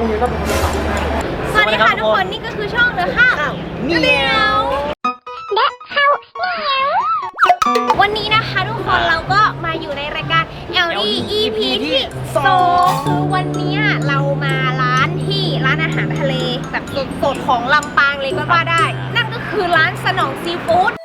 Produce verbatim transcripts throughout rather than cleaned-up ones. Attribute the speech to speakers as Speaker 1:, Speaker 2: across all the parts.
Speaker 1: สวัสดีค่ะทุกคนนี่ก็คือช่องเดอะข้าวเหนียวเดอะข้าวเหนียววันนี้นะคะทุกคนเราก็มาอยู่ในรายการ แอล ดี อี พี ที่สองคือวันนี้เรามาร้านที่ร้านอาหารทะเลแบบสดๆของลำปางเลยก็ว่าได้นั่นก็คือร้านสนองซีฟู้ด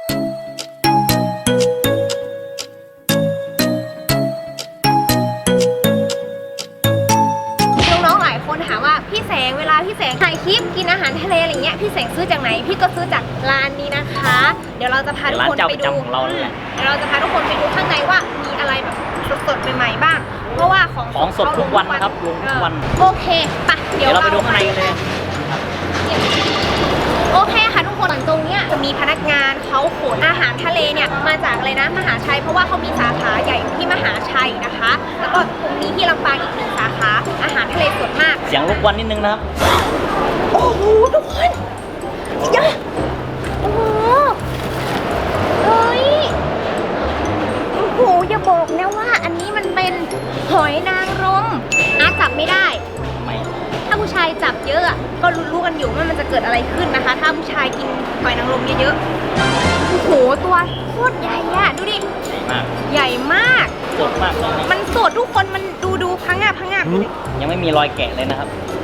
Speaker 1: คนถามว่าพี่แสงเวลาพี่แสงถ่ายคลิปกินอาหารทะเลอะไรเงี้ยพี่แสงซื้อจากไหนพี่ก็ซื้อจากร้านนี้นะคะเดี๋ยวเราจะพาทุกคนไปดูเราเลยเดี๋ยวเราจะพาทุกคนไปดูข้างในว่ามีอะไรแบบสดๆใหม่ๆบ้างเพราะว่าของ
Speaker 2: ของสดทุกวันนะครับลงทุกวัน
Speaker 1: โอเคปะเดี๋ยวเรา
Speaker 2: ไปดูข้างในกันเลย
Speaker 1: โอเคค่ะทุกคนตรงเนี้ยจะมีพนักงานเขาขนอาหารทะเลเนี่ยมาจากอะไรนะมหาชัยเพราะว่าเขามีสาขาใหญ่ที่มหาชัยนะคะแล้วก็ตรงนี้ที่ลำปางอีกหนึ่งสาขาอาหารทะเลสดมาก
Speaker 2: เสียงรบกวนนิดนึงนะครับ
Speaker 1: โอ้โหทุกคนเยอะโอ้โหเฮ้ยโอ้โหอย่าบอกนะว่าอันนี้มันเป็นหอยนางรมอาจับไม่ได้
Speaker 2: ไม่
Speaker 1: ถ้าผู้ชายจับเยอะก็รู้ๆกันอยู่ว่ามันจะเกิดอะไรขึ้นนะคะถ้าผู้ชายกินหอยนางรมเยอะๆโอ้โหตัวโคตรใหญ่อะดูดิใหญ่มาก
Speaker 2: สดมากเลย
Speaker 1: มันสดทุกคนมันดูดูพังงาพังงา
Speaker 2: ยังไม่มีรอยแกะเลยนะครับ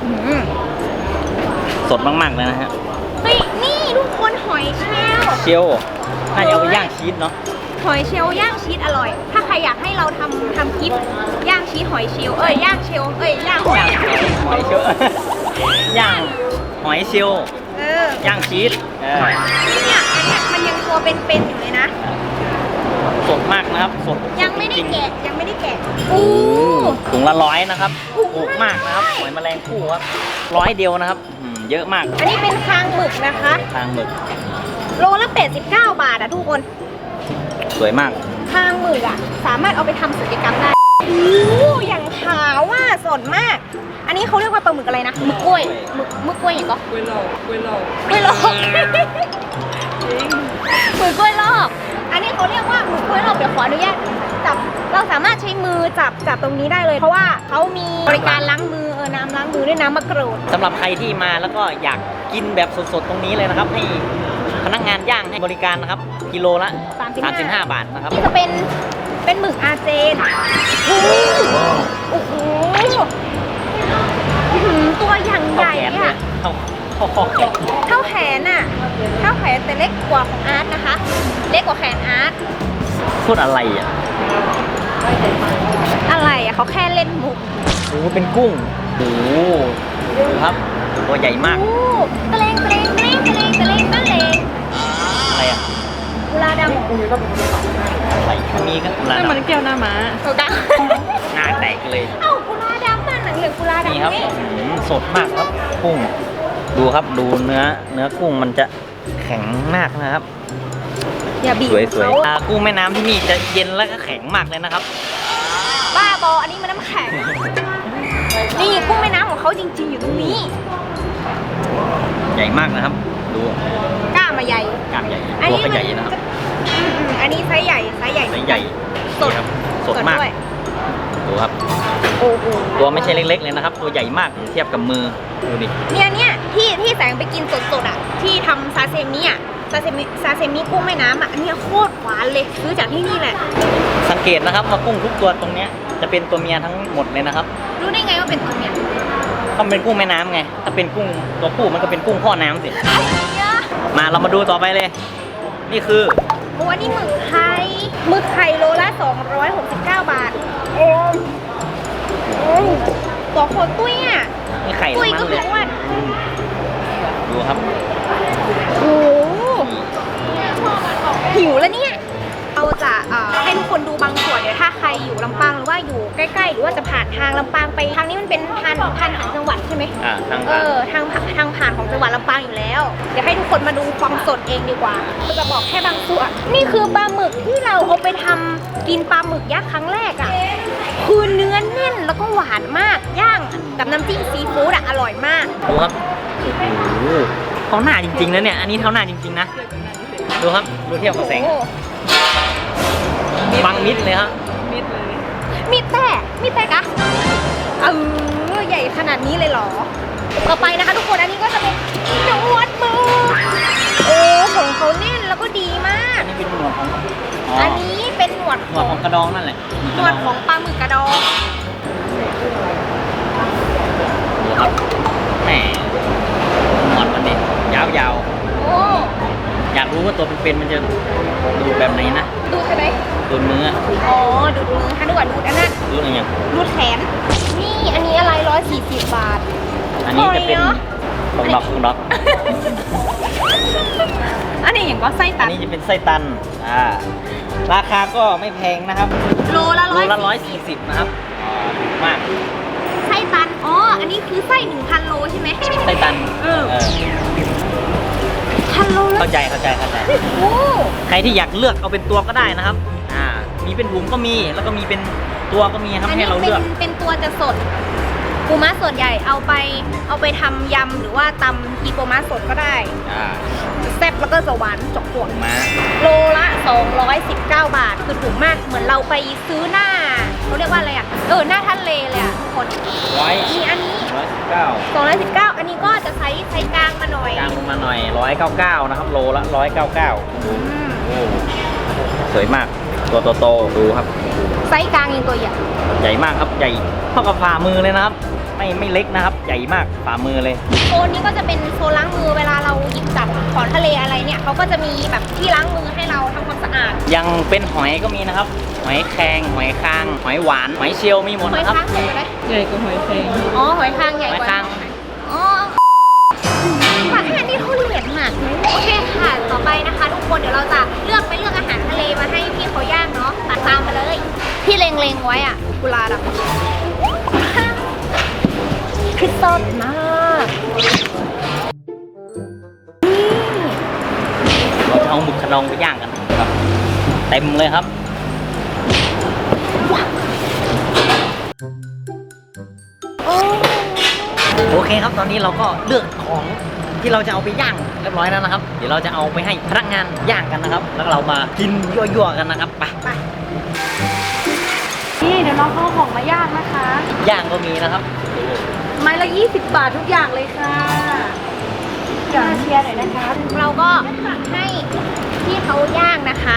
Speaker 2: สดมากๆเลยนะฮะ
Speaker 1: เฮ้ยนี่ทุกคนหอยเชลล์
Speaker 2: เชลล์น่าจะเอาไปย่างชีสเนาะ
Speaker 1: หอยเชลล์ย่างชีสอร่อยถ้าใครอยากให้เราทำทำคลิปย่างชีสหอยเชลล์เอ้ยย่างเชลล์เอ้ยย่างหอย
Speaker 2: หอยเชลล์ย่างหอยเชลล์
Speaker 1: เออย่าง
Speaker 2: ชีสเออ
Speaker 1: เนี่ยอันเนี้ยมันยังตัวเป็นๆอยู่เลยนะ
Speaker 2: สดมากนะครับสด
Speaker 1: ยังไม่ได้แกะยังไม่ได้แกะอู้
Speaker 2: ถุงละร้อยนะครับถูกมากนะครับหอยแมลงภู่ครับร้อยเดียวนะครับเยอะมาก
Speaker 1: อันนี้เป็นคางหมึกนะคะ
Speaker 2: คางหมึก
Speaker 1: โลละแปดสิบเก้าบาทอะทุกคน
Speaker 2: สวยมาก
Speaker 1: คางหมึกอะสามารถเอาไปทำศัลยกรรมได้โอ้อย่างขาวว่าสดมากอันนี้เขาเรียกว่าปลาหมึกอะไรนะหมึกกล้วยหมึกหมึกกล้วยอย่างก็
Speaker 3: กล้วยหลอกกล้วยหลอก
Speaker 1: กล้วยหลอกจริงหมึกกล้วยหลอกอันนี้เขาเรียกว่าหมึกกล้วยหลอกเดี๋ยวขออนุญาตจับเราสามารถใช้มือจับจับตรงนี้ได้เลยเพราะว่าเขามีบริการล้างมือเออน้ำล้างมือด้วยน้ำมะกรูด
Speaker 2: สำหรับใครที่มาแล้วก็อยากกินแบบสดๆตรงนี้เลยนะครับให้พนักงานย่างให้บริการนะครับกิโลละสามสิบห้าบาทนะครับ
Speaker 1: นี่จะเป็นเป็นหมึกอาเจนโอ้โหตัวอย่างใหญ่อะ
Speaker 2: เท่าเท่าข้อแขน
Speaker 1: เท่าแขนอะเท่าแขนแต่เล็กกว่าของอาร์ตนะคะเล็กกว่าแขนอาร์ต
Speaker 2: พูดอะไรอ่ะ
Speaker 1: อะไรอ่ะเขาแค่เล่นมุก
Speaker 2: โอ้เป็นกุ้งโอ้ดูครับตัวใหญ่มาก
Speaker 1: ตะเลงตะเลงตะเลงตะเลงตะเลงตะเลง
Speaker 2: อะไรอ่ะ
Speaker 1: กุลาดำ
Speaker 2: อะไรมีก็กุลาดำ
Speaker 3: มันเกี่ยวหน้าม้า
Speaker 1: ถูกต้อง
Speaker 2: หน้าแตกเลย
Speaker 1: เอ้ากุลาดำมันหนังเหลืองกุลาดำ
Speaker 2: นี่ครับสดมากครับกุ้งดูครับดูเนื้อเนื้อกุ้งมันจะแข็งมากนะครับ
Speaker 1: อย่าบีบ
Speaker 2: สวยๆกุ้งแม่น้ำที่นี่จะเย็นและก็แข็งมากเลยนะครับ
Speaker 1: บ้าบออันนี้มันน้ำแข็งนี่กุ้งแม่น้ำของเขาจริงๆอยู่ตรงนี้
Speaker 2: ใหญ่มากนะครับดู
Speaker 1: กล้ามมาใหญ่
Speaker 2: กล้ามใหญ่ตัวก็ใหญ่นะครับ
Speaker 1: อันนี้ไซส์ใหญ่ไซส์ใหญ่
Speaker 2: ไซส์ใหญ่
Speaker 1: สด
Speaker 2: สดมากดูครับตัวไม่ใช่เล็กๆเลยนะครับตัวใหญ่มากเทียบกับมือดูดิ
Speaker 1: เนี่ยเนี่ยที่ที่แสงไปกินสดๆอ่ะที่ทำซาเซมิอ่ะซาเซมิซาเซมิกุ้งแม่น้ำอ่ะอันนี้โคตรหวานเลยซื้อจากที่นี่แหละ
Speaker 2: สังเกตนะครับว่ากุ้งทุกตัวตรงเนี้ยจะเป็นตัวเมียทั้งหมดเลยนะครับ
Speaker 1: รู้ได้ไงว่าเป็นตัวเมีย
Speaker 2: ก็เป็นกุ้งแม่น้ำไงถ้าเป็นกุ้งตัวผู้มันก็เป็นกุ้งพ่อน้ำสิมาเรามาดูต่อไปเลยนี่คือ
Speaker 1: โอ้อันนี้หมึกไข่หมึกไข่โลละสองร้อยหกสิบเก้าบาทโอ้ตัวโคตรตุ้ยอ่ะ
Speaker 2: นี่ไข่
Speaker 1: ตุ้ยก็คือว่า
Speaker 2: ดูครับ
Speaker 1: โอ้หิวแล้วเนี่ยเราจะให้ทุกคนดูบางส่วนเดี๋ยวถ้าใครอยู่ลำปางหรือว่าอยู่ใกล้ๆหรือว่าจะผ่านทางลำปางไปทางนี้มันเป็นทางทางผ่านจังหวัดใช่ไหม
Speaker 2: อ่าทาง
Speaker 1: เออทางทางผ่านของจังหวัดลำปางอยู่แล้วเดี๋ยวให้ทุกคนมาดูความสดเองดีกว่าเราจะบอกแค่บางส่วนนี่คือปลาหมึกที่เราเอาไปทำกินปลาหมึกยักษ์ครั้งแรกอ่ะคือเนื้อแน่นแล้วก็หวานมากย่างกับน้ำจิ้มซีฟู้ดอ่ะอร่อยมาก
Speaker 2: ดูครับโอ้โหเท้าหน้าจริงๆนะเนี่ยอันนี้เท้าหน้าจริงๆนะดูครับดูเทียบกับแสงบังมิดเลยครับ
Speaker 3: มิดเลย
Speaker 1: มิดแต่มิดแต่กะเอออใหญ่ขนาดนี้เลยเหรอต่อไปนะคะทุกคนอันนี้ก็จะเป็นหนวดมือโอ้ของเขาแน่นแล้วก็ดีมาก
Speaker 2: อันนี้เป็นหนวดของอ๋อ
Speaker 1: อันนี้เป็นหนวด
Speaker 2: หนวดของกระดองนั่นแหละ
Speaker 1: หนวดของปลาหมึกกระดอง
Speaker 2: ดูครับแหมหนวดมันเนี่ยยาว
Speaker 1: โอ้
Speaker 2: ๆอยากรู้ว่าตัวเป็นๆมันจะดูแบบไหนนะ
Speaker 1: ดูใช่ไหม
Speaker 2: ดูเนื้อ
Speaker 1: อ๋อดูดมือค่ะดูก่อนดูดอันนั้น
Speaker 2: ดูอะไรเงี้ย
Speaker 1: ดูดแขนนี่อันนี้อะไรร้อยสี่สิบบาท
Speaker 2: อันนี้จะเป็น
Speaker 1: โอ้ยเนอะ
Speaker 2: ของดอกของดอก
Speaker 1: อันนี้อย่างก็ไส้
Speaker 2: อั
Speaker 1: ตั
Speaker 2: น
Speaker 1: น
Speaker 2: นี้จะเป็นไส้ตันอ่าราคาก็ไม่แพงนะครับ
Speaker 1: โลละ
Speaker 2: โล
Speaker 1: ร้อย
Speaker 2: ละร้อยสี่สิบนะครับอ่าถูกมาก
Speaker 1: ไส้ตันอ๋ออันนี้คือไส้หนึ่งพันโลใช่ไหม
Speaker 2: ไส้ตัน
Speaker 1: เออ
Speaker 2: เออ
Speaker 1: พันโลละ
Speaker 2: เข้าใจเข้าใจเข้าใจ
Speaker 1: โอ้
Speaker 2: ใครที่อยากเลือกเอาเป็นตัวก็ได้นะครับ อ่า มีเป็นถุงก็มี แล้วก็มีเป็นตัวก็มีครับ
Speaker 1: อัน
Speaker 2: ให้
Speaker 1: นี้
Speaker 2: เรา
Speaker 1: เป็น
Speaker 2: เลือก
Speaker 1: เป็นตัวจะสดปูม้าสดใหญ่เอาไปเอาไปทำยำหรือว่าตำกีปูม้าสดก็ได้
Speaker 2: อ่า
Speaker 1: แซ่บแล้วก็จะหวานจกจวก
Speaker 2: มา
Speaker 1: โลละสองร้อยสิบเก้าบาทคือถูกมากเหมือนเราไปซื้อหน้าเขาเรียกว่าอะไรอ่ะเออหน้าทะเลเลยอ่ะทุกคน
Speaker 2: ร้อย
Speaker 1: มีอันนี้
Speaker 2: ร้อยสิบเก้า
Speaker 1: สองร้อยสิบเก้าอันนี้ก็จะใช้ใช้กลางมาหน่อย
Speaker 2: กลางลงมาหน่อยร้อยเก้าเก้านะครับ โลละร้อยเก้าเก้า
Speaker 1: อืม
Speaker 2: โอ้สวยมาก ตัวโตๆดูครับ
Speaker 1: ไซส์กลางยังตัวใหญ่
Speaker 2: ใหญ่มากครับ ใหญ่เท่ากับฝ่ามือเลยนะครับ ไม่ไม่เล็กนะครับ ใหญ่มากฝ่ามือเลย
Speaker 1: โซนนี้ก็จะเป็นโซนล้างมือเวลาเราหยิบจับของทะเลอะไรเนี่ยเขาก็จะมีแบบที่ล้างมือให้เราทำความสะอาด
Speaker 2: ยังเป็นหอยก็มีนะครับ หอยแครงหอยคาง หอยหวาน หอยเชลล์มีหมด
Speaker 1: หอย
Speaker 2: นะครับ
Speaker 1: ค้างใหญ่ไหม
Speaker 3: ใหญ่กว่าหอยแครง
Speaker 1: อ๋อหอยค้างใหญ่กว่า
Speaker 2: หอยค้าง
Speaker 1: อ๋อปากแค่นี้เขาเหรียญมากโอเคค่ะต่อไปนะคะ ทุกคนเดี๋ยวเราจะเลือกไปเลือกอาหารทะเลมาให้พี่เขาย่างเนาะตัดตามมาเลยที่เล็งๆไว้อ่ะกุลาดำคือสดมากนี่
Speaker 2: เราจะเอาหมึกขนองไปย่างกันครับ เต็มเลยครับ
Speaker 1: โอ้
Speaker 2: โอเคครับ ตอนนี้เราก็เลือกของที่เราจะเอาไปย่างเรียบร้อยแล้วนะครับ เดี๋ยวเราจะเอาไปให้พนักงานย่างกันนะครับ แล้วเรามากินยั่วๆกันนะครับ ไป
Speaker 1: ไป
Speaker 3: นี่เดี๋ยวน้องเขาเอาของมาย่างนะคะ
Speaker 2: ย่างก็มีนะครับ
Speaker 3: ไม้ละยี่สิบบาททุกอย่างเลยค่ะอย่าเชียร์หน่อยนะคะ
Speaker 1: เราก็ให้พี่เขาย่างนะคะ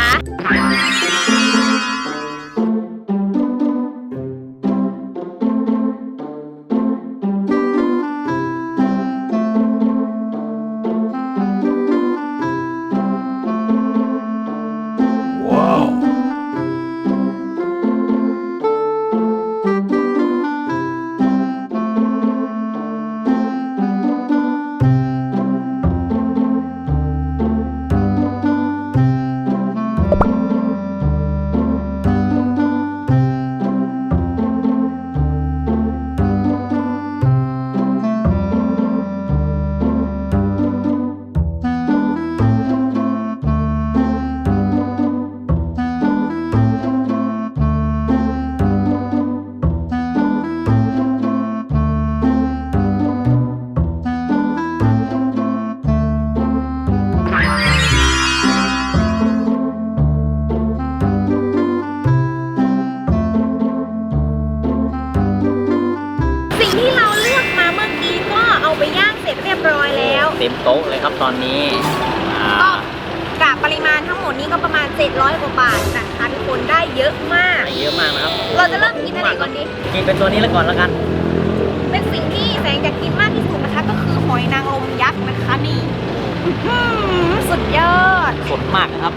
Speaker 1: สิ่งที่เราเลือกมาเมื่อกี้ก็เอาไปย่างเสร็จเรียบร้อยแล้ว
Speaker 2: เต็มโต๊ะเลยครับตอนนี้อ่า
Speaker 1: ก็กะปริมาณทั้งหมดนี้ก็ประมาณเจ็ดร้อยกว่าบาทนะคะทุกคนได้เยอะมาก
Speaker 2: เยอะมากนะครับ
Speaker 1: เราจะเริ่มกินอะไรก่อนดี
Speaker 2: กินเป็นตัวนี้แล้วก่อนแล้วกัน
Speaker 1: เป็นสิ่งที่แสงจะกินมากที่สุดนะคะ ก็คือหอยนางรมยักษ์นะคะนี่อื้อหือสุดยอด
Speaker 2: สดมากนะครับ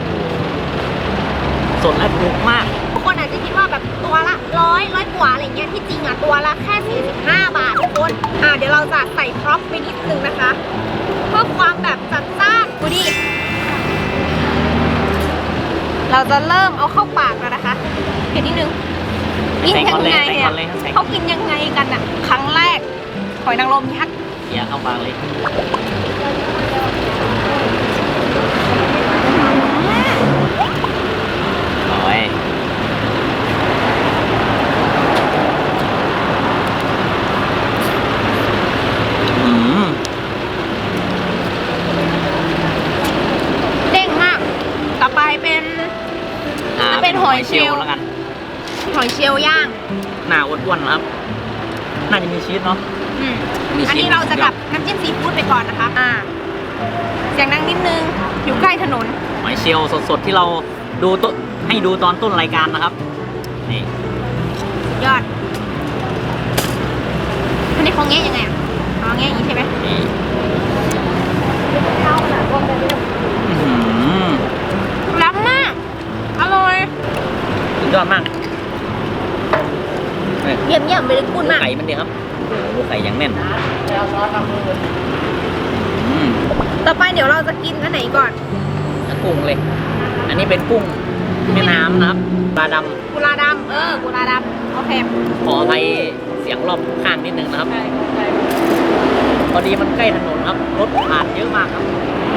Speaker 2: สดและถูกมาก
Speaker 1: ทุกคนอาจจะคิดว่าแบบตัวละร้อยร้อยกว่าอะไรเงี้ยที่จริงอ่ะตัวละแค่สี่สิบห้าบาททุกคนอ่าเดี๋ยวเราจะใส่พร็อพไปนิดนึงนะคะ เพื่อความแบบจัดจ้านดูดิเราจะเริ่มเอาเข้าปากแล้วนะคะเห็นนิดนึงกินยังไง
Speaker 2: ใส่
Speaker 1: อ่ะ
Speaker 2: ก่อนเลยใส่ก่อนเลย
Speaker 1: เขากินยังไงกันอ่ะครั้งแรกหอยนางรมยักษ์
Speaker 2: เดี๋ยวเข้าปากเลยโอ้ยอืม
Speaker 1: เด้งมาก ต่อไปเป็น
Speaker 2: อ่า
Speaker 1: จะเป็นหอยเชลล์
Speaker 2: แล้วกัน
Speaker 1: หอยเชลล์ย่าง
Speaker 2: หน้าอ้วนๆนะครับน่าจะมีชีสเนาะ
Speaker 1: อืม
Speaker 2: มี
Speaker 1: อัน
Speaker 2: ชีส
Speaker 1: นี้เราจะกับน้ำจิ้มซีฟู้ดไปก่อนนะคะ อ่า เสียงดังนิดนึง อยู่ใกล้ถนน
Speaker 2: หอยเชลล์สดๆที่เราดูต้นให้ดูตอนต้นรายการนะครับนี่
Speaker 1: ยอด อันนี้เขาแงะยังไงอ่ะอ๋อแงะอย่างนี้ใช่ไหม
Speaker 2: นี่
Speaker 3: ข้าวหนาก้มไปเรื่อย
Speaker 2: อื้อหือ
Speaker 1: ล้ำมาก อร่อย
Speaker 2: สุดยอดมากนี่
Speaker 1: เยี่ยมเยี่ยมไปเลยคุณมาก
Speaker 2: ไข่มันดีครับโอ้โหไข่ยังแน่นอืม
Speaker 1: ต่อไปเดี๋ยวเราจะกินอันไหนก่อน
Speaker 2: แล้วกุ้งเลย อันนี้เป็นกุ้งแม่น้ำนะครับปลาด
Speaker 1: กุลาดำ เออ กุลาดำ โอเค
Speaker 2: ำขออภัยเสียงรอบข้างนิดนึงนะครับ พอดีมันใกล้ถนนครับ รถผ่านเยอะมากครับ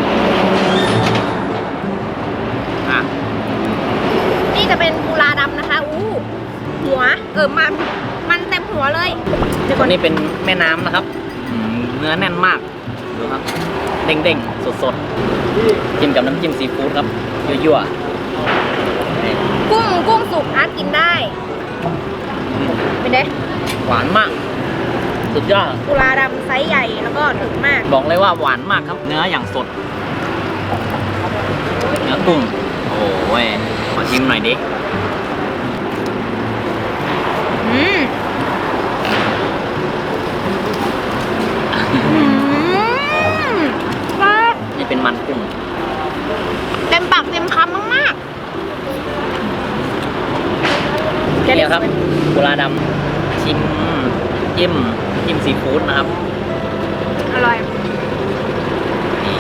Speaker 2: อ่ะ
Speaker 1: นี่จะเป็นกุลาดำนะคะ อู้ หัว เออ มัน มันเต็มหัวเลยเดี๋ยวก่
Speaker 2: ตั
Speaker 1: อ
Speaker 2: วน นี้เป็นแม่น้ำนะครับอืมเนื้อแน่นมาก ดูครับ เด้งๆ สดๆ จิ้มกับน้ำจิ้มซีฟู้ดครับ ยั่วๆนี่
Speaker 1: กุ้ง กุ้งสุกอาร์ตกินได้ เป็นไง
Speaker 2: หวานมาก สุดยอด
Speaker 1: กุลาดำไซส์ใหญ่แล้วก็ถึกมาก
Speaker 2: บอกเลยว่าหวานมากครับ เนื้ออย่างสด เนื้อกุ้ง โอ้ยขอชิมหน่อยดิ
Speaker 1: อืม อืมปลา
Speaker 2: นี่เป็นมันกุ้ง
Speaker 1: เต็มปากเต็มคำมาก
Speaker 2: เรียกครับกุลาดำชิมจิ้มจิ้มซีฟู้ดนะครับ
Speaker 1: ๆ อร่อย
Speaker 2: นี่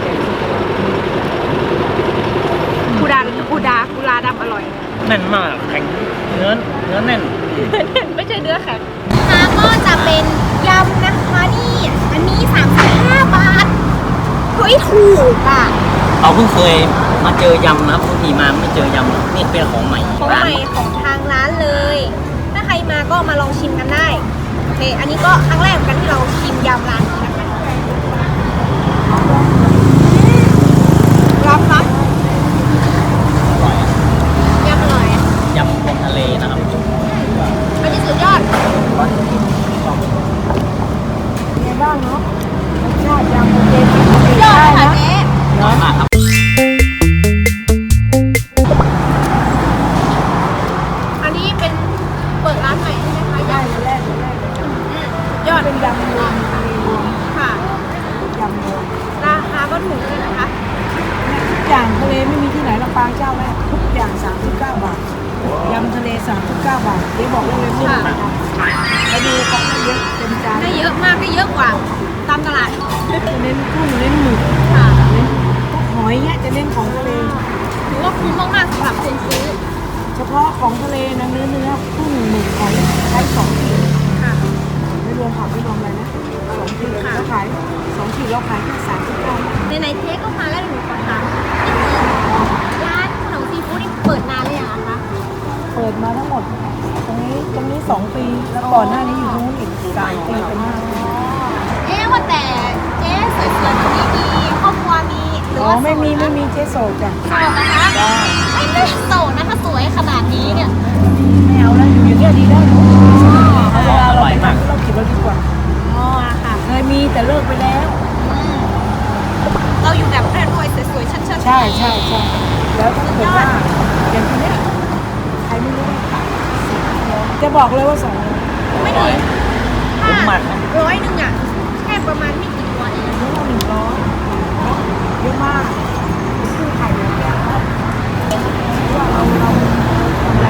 Speaker 1: กูดากูดากุลาดำอร่อย
Speaker 2: แน่นมากแข็งเนื้อเนื้อแน่น
Speaker 1: ไม่ใช่เนื้อแข็งค่ะก็จะเป็นยำนะคะนี่ อันนี้สามสิบห้าบาทเฮ้ยถูกอ่ะ
Speaker 2: เราเพิ่งเคยมาเจอยำนะครับบางทีมาไม่เจอยำนี่เป็นของใหม่
Speaker 1: ของ
Speaker 2: ร้าน
Speaker 1: ใหม่ของทางร้านเลย ถ้าใครมาก็มาลองชิมกันได้ โอเค อันนี้ก็ครั้งแรกเหมือนกันที่เราชิมยำร้านนี้นะคะรับรับ
Speaker 2: อร่อยอะ
Speaker 1: ยำอร่อย
Speaker 2: ยำบนทะเลนะครับ
Speaker 1: อันนี้สุดยอด
Speaker 3: ในบ้างเนาะรสชาติยำโอเคไหม
Speaker 1: ยอด
Speaker 3: ได้
Speaker 1: ค่ะ
Speaker 3: นะ
Speaker 1: เจ๊
Speaker 2: อร่อยมากครับ
Speaker 1: อันนี้เป็นเปิดร้านใหม่ใช่ไหมคะ
Speaker 3: ได้
Speaker 1: ยำ
Speaker 3: เลยแรกเลยแรกเลย
Speaker 1: อืมยอด
Speaker 3: เป็นยำรวมทะเลรวม
Speaker 1: ค่ะ
Speaker 3: ยำรวม
Speaker 1: ราคาก็ถูกด้วยนะคะ
Speaker 3: ทุกอย่างทะเลไม่มีที่ไหนลำปางเจ้าแรกทุกอย่างสามสิบเก้าบาทยำทะเลสามสิบเก้าบาทเดี๋ยวบอกเลยไม่
Speaker 1: ค่ะ
Speaker 3: ถูกแล้วดูของเยอะเต็มจาน
Speaker 1: ได้เยอะมากได้เยอะกว่าตามตลาด
Speaker 3: จะเน้นกุ้งเน้นหมึก
Speaker 1: ค่ะ
Speaker 3: เน้นพวกหอยเนี้ยจะเน้นของทะเล
Speaker 1: ถือว่าคุ้มมากๆสำหรับคนซื้อ
Speaker 3: เฉพาะของทะเลนะเนื้อเนื้อกุ้งหมึกหอยใช้สองขีด
Speaker 1: ค่ะ
Speaker 3: ไม่รวมผักไม่รวมอะไรนะสองขีด
Speaker 1: ค่ะ
Speaker 3: เราขายสองขีดเราขายแค่สามสิบเก้า
Speaker 1: ในไหนๆเจ๊ก็มาแล้วหนูขอถามร้านขนมซีฟู้ดนี่เปิดนานเลยเหรอคะ
Speaker 3: เปิดมาทั้งหมด ตรงนี้ตรงนี้สองปีแล้วก่อนหน้านี้อยู่ตรงนู้นอีกสามปีเป็นห้าปี
Speaker 1: เอ๊ะว่าแต่เจ๊สวยๆแบบนี้มีครอบครัวมีหรือ
Speaker 3: อ๋อ
Speaker 1: ว่า
Speaker 3: ไม่มี
Speaker 1: โส
Speaker 3: ไม่
Speaker 1: ด
Speaker 3: มีเจ๊โสดจ้ะ
Speaker 1: โสดนะคะ
Speaker 3: จ้า
Speaker 1: ไม่ได้โสดนะคะสวยขนาดนี้เนี่ย
Speaker 3: ไม่เอาแล้วอยู่อย่างเงี้ยดีแล้วเอาเวลาเรา
Speaker 2: อร่อย
Speaker 3: ไป
Speaker 2: มาก
Speaker 3: เราคิดเราดีกว่า
Speaker 1: อ๋อค่ะ
Speaker 3: เคยมีแต่เลิกไปแล้ว
Speaker 1: อืมเราอยู่แบบรวยๆสวยๆชัดๆ
Speaker 3: ใช่ใช่ใช่แล้วถ้าเกิดว่าอย่างทีเนี้ยใครไม่รู้จะบอกเลยว่าสองร้อย
Speaker 1: ไม่ถึง
Speaker 2: คุ้มมากครับ
Speaker 1: ร้อยหนึ่งอ่ะแค่ประมาณไม่กี่ตัวเอง
Speaker 3: หนึ่งร้อยเยอะมากคือไข่แบบเนี้ยว่าเราเราทำอะไร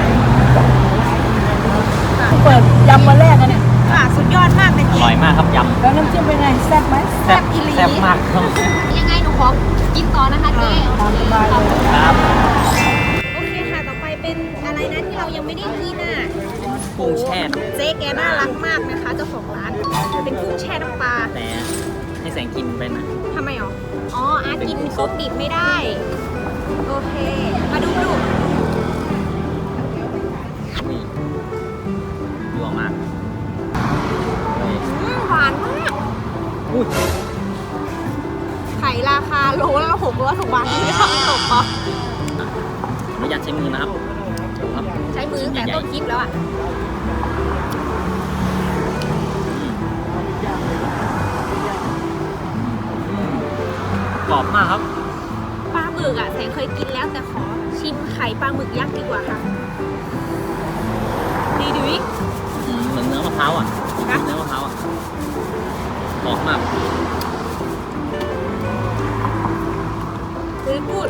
Speaker 3: เปิดยำวันแรกอะเนี่ย
Speaker 1: ค่ะ สุดยอดมากเลย
Speaker 2: อ
Speaker 1: เจ๊
Speaker 2: ร่อยมากครับย
Speaker 3: แล้วน้ำจิ้มเป็นไงแซ่บไหม
Speaker 2: ำ
Speaker 1: แซ่บอีหลี
Speaker 2: แซ่บมากครับ
Speaker 1: ยังไงหนูขอกินต่อนะคะเจ๊
Speaker 3: ตามสบายเลย
Speaker 2: ครับ
Speaker 1: โอเคค่ะ ต่อไปเป็นอะไรนะที่เรายังไม่ได้กินอ่ะ
Speaker 2: กุ้งแช่
Speaker 1: เจ๊แกน่ารักมากนะคะเจ้าของร้าน เป็นกุ้งแช่น้ำปลา
Speaker 2: แต่ให้แสงกินไปนะ
Speaker 1: ทำไมหรอ อ๋อ อาร์ตกินครบดิบไม่ได้ โอเค มาดูดู
Speaker 2: นี่ยั่วมากนี่
Speaker 1: อืมหวานมาก
Speaker 2: อุ้ย
Speaker 1: ไข่ราคาโลละหกร้อยถูกบาทไม่ทำตกปะ
Speaker 2: ไม่อยากใช้มือนะครับดูครับ
Speaker 1: ใช้มือตั้งแต่ต้นคลิปแล้วอ่ะ
Speaker 2: กรอบมากครับ
Speaker 1: ปลาหมึกอ่ะแสงเคยกินแล้วแต่ขอชิมไข่ปลาหมึกยักษ์ดีกว่าค่ะดีดิวิ
Speaker 2: อืมเหมือนเนื้อมะพร้าวอ่ะ
Speaker 1: นะ
Speaker 2: เนื้อมะพร้าวอ่ะกรอบมาก
Speaker 1: คือพูด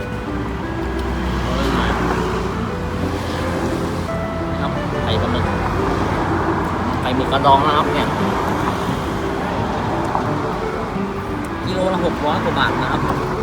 Speaker 2: ครับไข่ปลาหมึกไข่หมึกกระดองนะครับเนี่ยกิโลละหกร้อยกว่าบาทนะครับ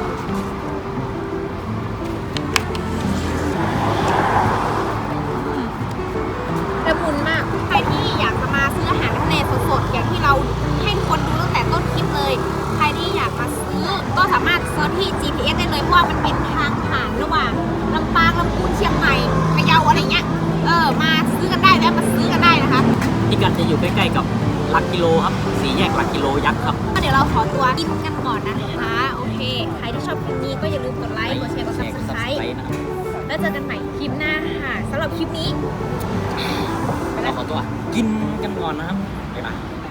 Speaker 1: ละมุนมากใครที่อยากจะมาซื้ออาหารทะเลสดๆอย่างที่เราให้ทุกคนดูตั้งแต่ต้นคลิปเลยใครที่อยากมาซื้อก็สามารถเซิร์ชที่ จี พี เอส ได้เลยเพราะว่ามันเป็นทางผ่านระหว่างลำปางลำพูนเชียงใหม่พะเยาอะไรเงี้ยเออมาซื้อกันได้แล้วมาซื้อกันได้นะคะ
Speaker 2: ที่กันจะอยู่ใกล้ๆกับหลักกิโลครับสี่แยกหลักกิโลยักษ์ครับ
Speaker 1: ก็เดี๋ยวเราขอตัวกินกันก่อนนะคะโอเคใครที่ชอบคลิปนี้ก็อย่าลืมกดไลค์กดแชร์กด ซับสไครบ์
Speaker 2: นะครับ
Speaker 1: แล้วเจอกันใหม่คลิปหน้าค่ะสำหรับคลิปนี้
Speaker 2: เราขอตัวกินกันก่อนนะครับบ๊ายบาย